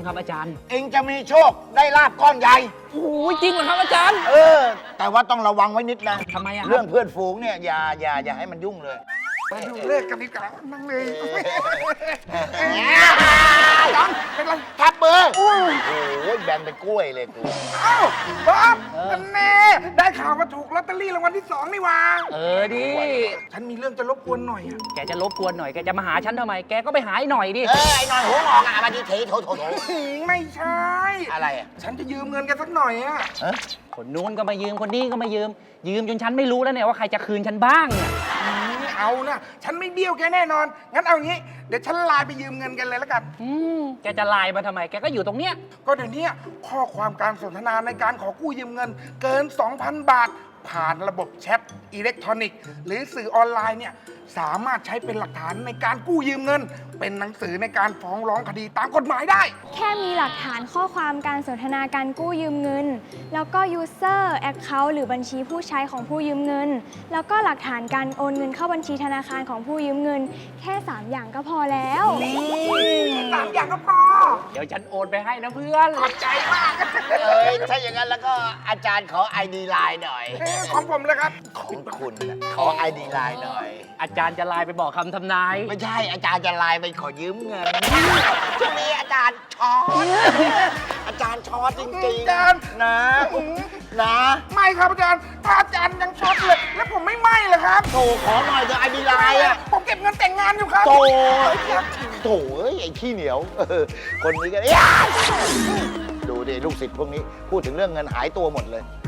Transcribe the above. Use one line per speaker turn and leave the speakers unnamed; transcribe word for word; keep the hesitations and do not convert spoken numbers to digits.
บ้างครับอาจารย์
เองจะมีโชคได้ลาบก้อนใหญ่
โอ้ยจริงเหรอครับอาจารย์
เออ แต่ว่าต้องระวังไว้นิดนะ
ทำไมอะครับ
เรื่องเพื่อนฝูงเนี่ยอย่าอย่าอย่าให้มันยุ่งเลย
มาดูเลขกันดีกว่านั่งเลยจอนเป็นไร
ทับมือโอ้ยแบนเป็นกล้วยเลยกู
เอ้าบ๊อบกันแน่ได้ข่าวว่าถูกลอตเตอรี่รางวัลที่สองนี่หว่า
เออดิ
ฉันมีเรื่องจะรบกวนหน่อยอะ
แกจะรบกวนหน่อยแกจะมาหาฉันทำไมแกก็ไปหาไอ้หน่อยดิ
เออไอ้หน่อยหัวงอกอ่ะมาดีเทโถโถโถ
ไม่ใช่
อะไรอ่ะ
ฉันจะยืมเงินกันสักหน่อยอะ
เออ
คนนู้นก็มายืมคนนี้ก็มายืม ยืมจนฉันไม่รู้แล้วเนี่ยว่าใครจะคืนฉันบ้างเนี่ย
ไม่เอานะฉันไม่เบี้ยวแกแน่นอน งั้นเอางี้ เดี๋ยวฉันไลน์ไปยืมเงินกันเลยแล้วกัน
อืมแกจะไลน์มาทำไมแกก็อยู่ตรงเนี้ย
ก็เดี๋ยวนี้ข้อความการสนทนาในการขอกู้ยืมเงิน เกิน สองพัน บาท ผ่านระบบแชทอิเล็กทรอนิกส์หรือสื่อออนไลน์เนี่ยสามารถใช้เป็นหลักฐานในการกู้ยืมเงิน เป็นหนังสือในการฟ้องร้องคดีตามกฎหมายได้
แค่มีหลักฐานข้อความการสนทนาการกู้ยืมเงิน แล้วก็ user account หรือบัญชีผู้ใช้ของผู้ยืมเงิน แล้วก็หลักฐานการโอนเงินเข้าบัญชีธนาคารของผู้ยืมเงิน แค่ สาม อย่างก็พอแล้ว
สามอย่างก็พอ
เดี๋ยวฉันโอนไปให้นะเพื่อน
ขอบใจมาก
เอ้ยถ้าอย่างนั้นแล้วก็อาจารย์ขอไอดีไลน์หน่อย
เอ้ยของผมเลยครับ
ของคุณน่ะขอไอดีไลน์หน่อย
อาจารย์จะไลน์ไปบอกคำทำนาย
ไม่ใช่อาจารย์จะไลน์ไปขอยืมเงินช่วงนี้อาจารย์ช็อตอาจารย์ช็อตจริง
อาจารย์
ๆนะนะ
ไม่ครับอาจารย์ ถ้าอาจารย์ยังช็อตเลย แล้วผมไม่ไหม้เลยครับ
โถขอหน่อยเถอะไอดีไลน์อ่ะ
ผมเก็บเงินแต่งงานอยู่ครับ
โถโถเอ้ยไอ้ขี้เหนียวเออคนนี้ก็เอ้ยดูดิลูกศิษย์พวกนี้พูดถึงเรื่องเงินหายตัวหมดเลย